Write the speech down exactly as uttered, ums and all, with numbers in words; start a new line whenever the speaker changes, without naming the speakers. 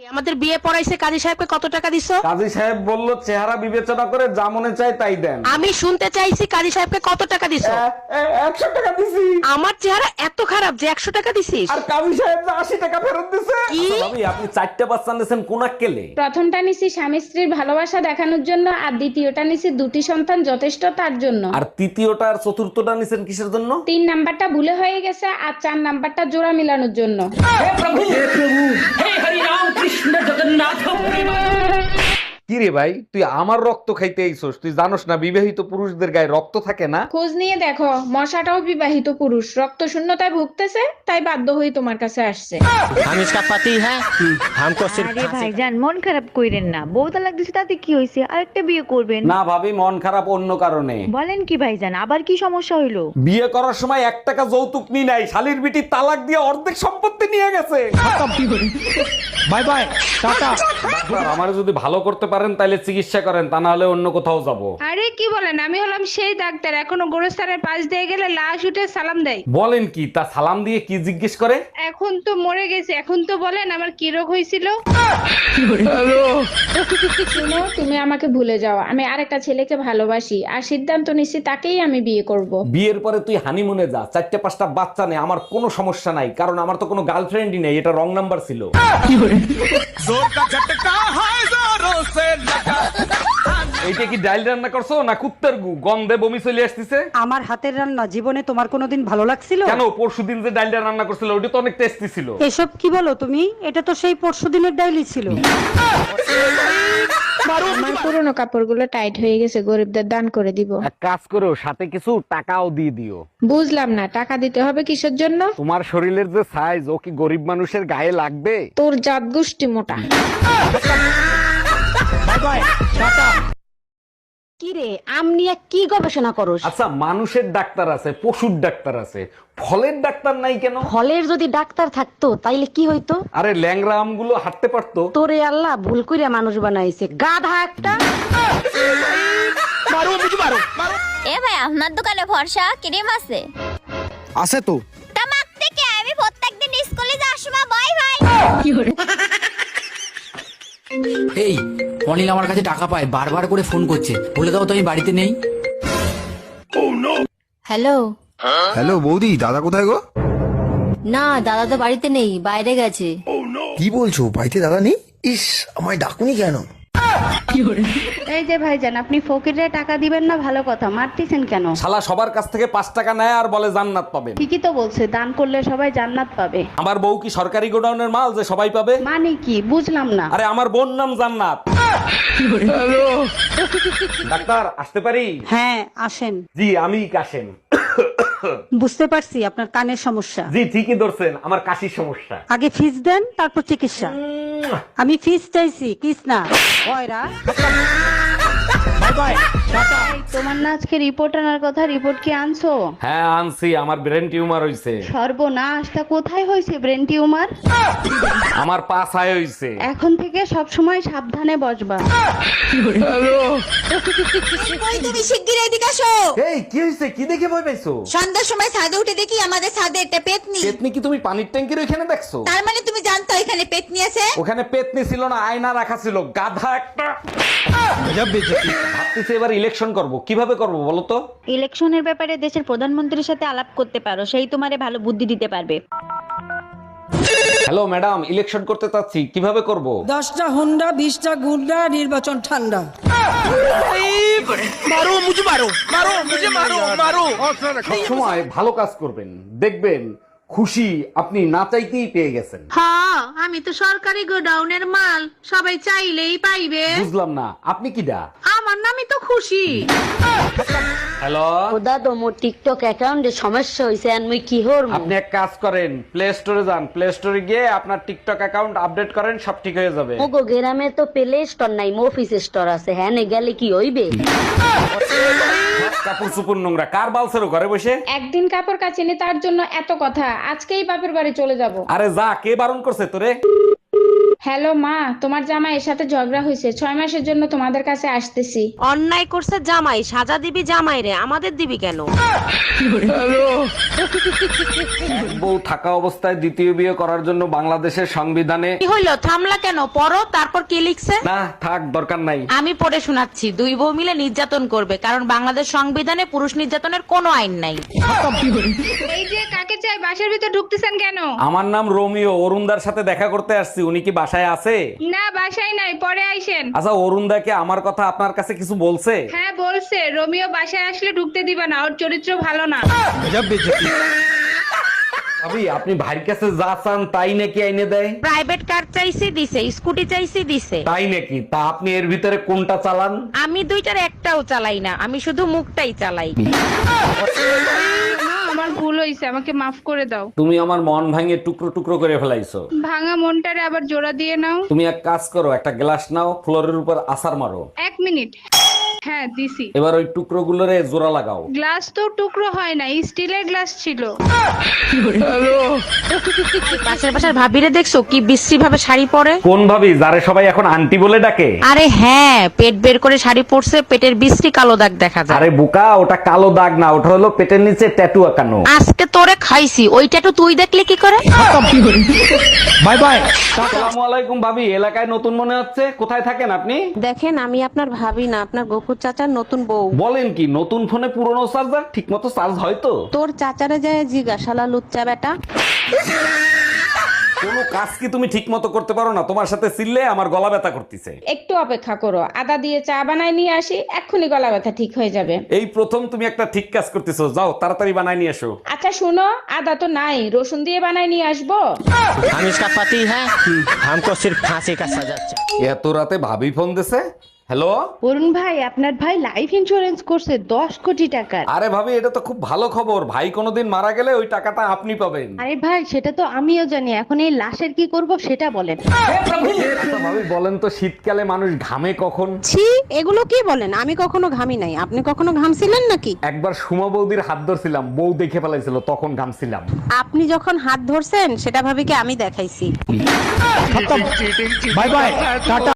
আমাদের বিয়ে পড়াইছে কাজী সাহেবকে কত টাকা দিছো?
কাজী সাহেব বলল চেহারা বিবেচনা করে যা মনে চায় তাই দেন।
আমি শুনতে চাইছি কাজী সাহেবকে কত টাকা দিছো?
একশো টাকা দিছি।
আমার চেহারা এত খারাপ যে একশো টাকা দিছিস?
আর কাজী সাহেব যে আশি টাকা ফেরত দিছে।
কি?
ভাবি আপনি চারটা বাচ্চা নিয়েছেন কোন কেলে?
প্রথমটা নিছি স্বামী স্ত্রীর ভালোবাসা দেখানোর জন্য, আর দ্বিতীয়টা নিছি দুটি সন্তান যথেষ্ট তার জন্য।
আর তৃতীয়টা আর চতুর্থটা নিছেন কিসের জন্য?
তিন নাম্বারটা ভুলে হয়ে গেছে, আর চার নাম্বারটা জোড়া মিলানোর জন্য।
কি রে ভাই, তুই আমার রক্ত খাইতে আইছস? তুই জানোস না বিবাহিত পুরুষদের গায়ে রক্ত থাকে না?
খোঁজ নিয়ে দেখো, মশাটাও বিবাহিত পুরুষ, রক্ত শূন্যতায় ভুগতেছে, তাই বাধ্য হয়ে তোমার কাছে আসছে।
हम इसका पति है हमको सिर्फ
আরে ভাইজান মন খারাপ কইরেন না, বউ তালাক দিছে তাতে কি হইছে, আরেকটা বিয়ে করবেন।
না ভাবি, মন খারাপ অন্য কারণে।
বলেন কি ভাইজান, আবার কি সমস্যা হইলো?
বিয়ে করার সময় এক টাকা যৌতুক নি নাই, শালির বিটি তালাক দিয়ে অর্ধেক সম্পত্তি নিয়ে গেছে।
Bye bye Tata.
ডাক্তার, আমারে যদি ভালো করতে পারেন তাহলে চিকিৎসা করেন, তা না হলে অন্য কোথাও যাব।
আরে কি বলেন, আমি হলাম সেই ডাক্তার, এখনো গোরস্থানের পাশ দিয়ে গেলে লাশ উঠে সালাম দেয়।
বলেন কি? তা সালাম দিয়ে কি জিজ্ঞেস করে?
এখন তো মরে গেছে, এখন তো বলেন আমার কি রোগ হয়েছিল। শুনো, তুমি আমাকে ভুলে যাও, আমি আরেকটা ছেলেকে ভালোবাসি, আর সিদ্ধান্ত নিচ্ছি তাকেই আমি বিয়ে করব।
বিয়ের পরে তুই হানিমুনে যা, চারটে পাঁচটা বাচ্চা নেই, আমার কোনো সমস্যা নাই, কারণ আমার তো কোনো গার্লফ্রেন্ডই নেই। এটা রং নাম্বার ছিল। এইটা কি ডাইল রান্না করছো না কুত্তার গু? গন্ধে বমি চলে আসতেছে।
আমার হাতের রান্না জীবনে তোমার কোনোদিন ভালো লাগছিল?
কেন? পরশুদিন যে ডাইলটা রান্না করছিল ওটা তো অনেক টেস্টি ছিল।
এসব কি বলো তুমি? এটা তো সেই পরশুদিনের ডাইলি ছিল।
আমার পুরোনো কাপড়গুলো টাইট হয়ে গেছে, গরিবদের দান করে দিব।
এক কাজ করো, সাথে কিছু টাকাও দিয়ে দিও।
বুঝলাম না, টাকা দিতে হবে কিসের জন্য?
তোমার শরীরের যে সাইজ, ও কি গরিব মানুষের গায়ে লাগবে?
তোর জাত গোষ্ঠী মোটা।
Bye bye tata.
কি রে, আম নিয়ে কি গবেষণা করস?
আচ্ছা, মানুষের ডাক্তার আছে, পশুর ডাক্তার আছে, ফলের ডাক্তার নাই কেন?
ফলের যদি ডাক্তার থাকতো তাইলে কি হইতো?
আরে ল্যাংড়া আমগুলো হাঁটতে পারতো।
তোরে আল্লাহ ভুল কইরা মানুষ বানাইছে, গাধা একটা।
मारो मुझे मारो मारो।
এ ভাই, আপনার দোকানে ফর্সা ক্রিম আছে?
আছে তো।
তা মাখতে কে? আমি প্রত্যেকদিন স্কুলে যাওয়ার সময় বাই ভাই।
এই অনিল আমার কাছে টাকা পায়, বারবার করে ফোন করছে, বলে দাও তো আমি বাড়িতে নেই।
হ্যালো।
হ্যালো বৌদি, দাদা কোথায় গো?
না, দাদা তো বাড়িতে নেই, বাইরে গেছে।
কি বলছো, বাড়িতে দাদা নেই? ইস, আমায় ডাকুনি কেন?
এই যে ভাইজান, আপনি ফকিরে টাকা দিবেন না, ভালো কথা, মারতেছেন কেন?
শালা সবার কাছ থেকে পাঁচ টাকা নেয় আর বলে জান্নাত পাবেন।
ঠিকই তো বলছে, দান করলে সবাই জান্নাত পাবে।
আমার বউ কি সরকারি গোডাউনের মাল যে সবাই পাবে?
মানে কি বুঝলাম না।
আরে আমার বোন নাম জান্নাত। ডাক্তার, আসতে পারি?
হ্যাঁ আসেন।
জি, আমি কাশেম।
বুঝতে পারছি আপনার কানের সমস্যা।
জি, ঠিকই ধরছেন, আমার কাশির সমস্যা।
আগে ফিস দেন, তারপর চিকিৎসা। আমি ফিস চাইছি, কিস না। কয়রা
बाय बाय टाटा।
তোমার না আজকে রিপোর্ট আনার কথা, রিপোর্ট কি আনছো?
হ্যাঁ আনছি, আমার ব্রেন টিউমার হইছে।
সর্বনাশ, তা কোথায় হয়েছে ব্রেন টিউমার?
আমার পা ছায় হইছে।
এখন থেকে সব সময় সাবধানে বসবা।
কই তুমি শিগগির এদিকে আসো।
এই কি হইছে? কি দেখে ভয় পাইছো?
সন্ধ্যার সময় ছাদে উঠে দেখি আমাদের ছাদে একটা পেতনি।
পেতনি কি তুমি পানির ট্যাঙ্কির ওখানে দেখছো?
তার মানে তুমি জানতো এখানে পেতনি আছে?
ওখানে পেতনি ছিল না, আয়না রাখা ছিল, গাধা একটা।
गजब बेइज्जती।
ভাবতেছি এবার ইলেকশন করব, কিভাবে করব বলো তো?
ইলেকশনের ব্যাপারে দেশের প্রধানমন্ত্রীর সাথে আলাপ করতে পারো, সেই তোমারে ভালো বুদ্ধি দিতে পারবে।
হ্যালো ম্যাডাম, ইলেকশন করতে চাচ্ছি, কিভাবে করব?
দশটা হুন্ডা, বিশটা গুন্ডা, নির্বাচন ঠান্ডা।
मारो मुझे मारो मारो मुझे मारो मारो।
সময় ভালো কাজ করবেন, দেখবেন খুশি আপনি না চাইতেই পেয়ে গেছেন।
হ্যাঁ, আমি তো সরকারি গোডাউনের মাল, সবাই চাইলেই পাইবে।
বুঝলাম না, আপনি কিডা?
আমার নামই তো খুশি।
হ্যালো,
দাদা মোর টিকটক অ্যাকাউন্টে সমস্যা হইছে, আর মুই কি হরব?
আপনি এক কাজ করেন, প্লে স্টোরে যান, প্লে স্টোরে গিয়ে আপনার টিকটক অ্যাকাউন্ট আপডেট করেন, সব ঠিক হয়ে যাবে।
মোগো গ্রামে তো প্লে স্টোর নাই, মফিস স্টোর আছে, হ্যাঁ নে গেলে কি হইবে?
কাপড় চুপুর নোংরা, কার বালছেরো ঘরে বসে?
একদিন কাপড় কাচিনি তার জন্য এত কথা, আজকেই বাপের বাড়ি চলে যাব।
আরে যা, কে বারণ করছে তোরে?
হ্যালো মা, তোমার জামাইয়ের সাথে ঝগড়া হয়েছে, ছয় মাসের জন্য তোমাদের কাছে আসতেছি।
অন্যায় করছে জামাই, সাজা দিবি জামাই রে, আমাদের দিবি কেন?
বউ থাকা অবস্থায় দ্বিতীয় বিয়ে করার জন্য বাংলাদেশের সংবিধানে
কি হইলো, থামলা কেন? পড়ো, তারপর কি লিখছে?
না থাক, দরকার নাই।
আমি পড়ে শোনাচ্ছি। দুই বউ মিলে নির্যাতন করবে, কারণ বাংলাদেশ সংবিধানে পুরুষ নির্যাতনের কোনো আইন নাই।
এই যে কাকে চাই, বাসার ভিতর ঢুকতেছেন কেন?
আমার নাম রোমিও, অরুণদার সাথে দেখা করতে আসছি। উনি কি বাসায় আছে?
না, বাসায় নাই, পরে আইসেন।
আচ্ছা, অরুণদাকে আমার কথা আপনার কাছে কিছু বলছে?
হ্যাঁ বলছে, রোমিও বাসায় আসলে ঢুকতে দিবা না, ওর চরিত্র ভালো না।
गजब बेइज्जती।
ভাবি, আপনি ভাইয়ের কাছে যা চান তাই নাকি আইনে দেয়?
প্রাইভেট কার চাইছি দিছে, স্কুটি চাইছি দিছে।
তাই নাকি? তা আপনি এর ভিতরে কোনটা চালান?
আমি দুইটার একটাও চালাই না, আমি শুধু মুখটাই চালাই।
আমার ভুল হয়েছে, আমাকে মাফ করে দাও।
তুমি আমার মন ভাঙে টুকরো টুকরো করে ফেলাইছো।
ভাঙা মনটারে আবার জোড়া দিয়ে নাও।
তুমি এক কাজ করো, একটা গ্লাস নাও, ফ্লোরের উপর আছাড় মারো।
এক মিনিট। হ্যাঁ দিছি।
এবার ওই টুকরো গুলোরে জোড়া লাগাও।
গ্লাস তো টুকরো হয় না, স্টিলের গ্লাস ছিল।
পাশের পাশের ভাবিরে দেখছো কি বিশ্রী ভাবে শাড়ি পরে?
কোন ভাবি, যারে সবাই এখন আন্টি বলে ডাকে?
আরে হ্যাঁ, পেট বের করে শাড়ি পরছে, পেটের বিশ্রী কালো দাগ দেখা যায়।
আরে বোকা, ওটা কালো দাগ না, ওটা হলো পেটের নিচে ট্যাটু আঁকানো।
আজকে তোরে খাইছি, ওইটা তো তুই দেখলে কি করে?
Bye bye.
আসসালামু আলাইকুম ভাবি, এলাকায় নতুন মনে হচ্ছে, কোথায় থাকেন আপনি?
দেখেন, আমি আপনার ভাবি না, আপনার গফুর চাচার নতুন বউ।
বলেন কি, নতুন ফোনে পুরনো চার্জার ঠিক মতো চার্জ হয় তো?
তোর চাচারে যায় জিজ্ঞাসালা লুচ্চা বেটা।
কোনো কাজ কি তুমি ঠিক মতো করতে পারো না? তোমার সাথে চিল্লে আমার গলা ব্যথা করতেছে।
একটু অপেক্ষা করো, আদা দিয়ে চা বানাই নিয়ে আসি, এক্ষুনি গলা ব্যথা ঠিক হয়ে যাবে।
এই প্রথম তুমি একটা ঠিক কাজ করতেছো, যাও তাড়াতাড়ি বানাই নিয়ে এসো।
আচ্ছা শুনো, আদা তো নাই, রসুন দিয়ে বানাই নিয়ে আসবো।
हम इसका पति है, हमको सिर्फ फांसी का सजा चाहिए।
এত রাতে ভাবি ফোন দিছে। হ্যালো
অরুণ ভাই, আপনার ভাই লাইফ ইন্স্যুরেন্স করছে দশ কোটি টাকার।
আরে ভাবি, এটা তো খুব ভালো খবর। ভাই কোনোদিন মারা গেলে ওই টাকাটা আপনি পাবেন।
আরে ভাই, সেটা তো আমিও জানি, এখন এই লাশের কি করব সেটা বলেন।
আচ্ছা ভাবি, বলেন তো শীতকালে মানুষ ঘামে কখন?
ছি, এগুলো কি বলেন? আমি কখনো ঘামি নাই। আপনি কখনো ঘামছিলেন নাকি?
একবার সুমা বৌদির হাত ধরছিলাম, বউ দেখে ফেলাইছিল, তখন ঘামছিলাম।
আপনি যখন হাত ধরছেন সেটা ভাবি কি আমি দেখাইছি?
Bye bye, Tata.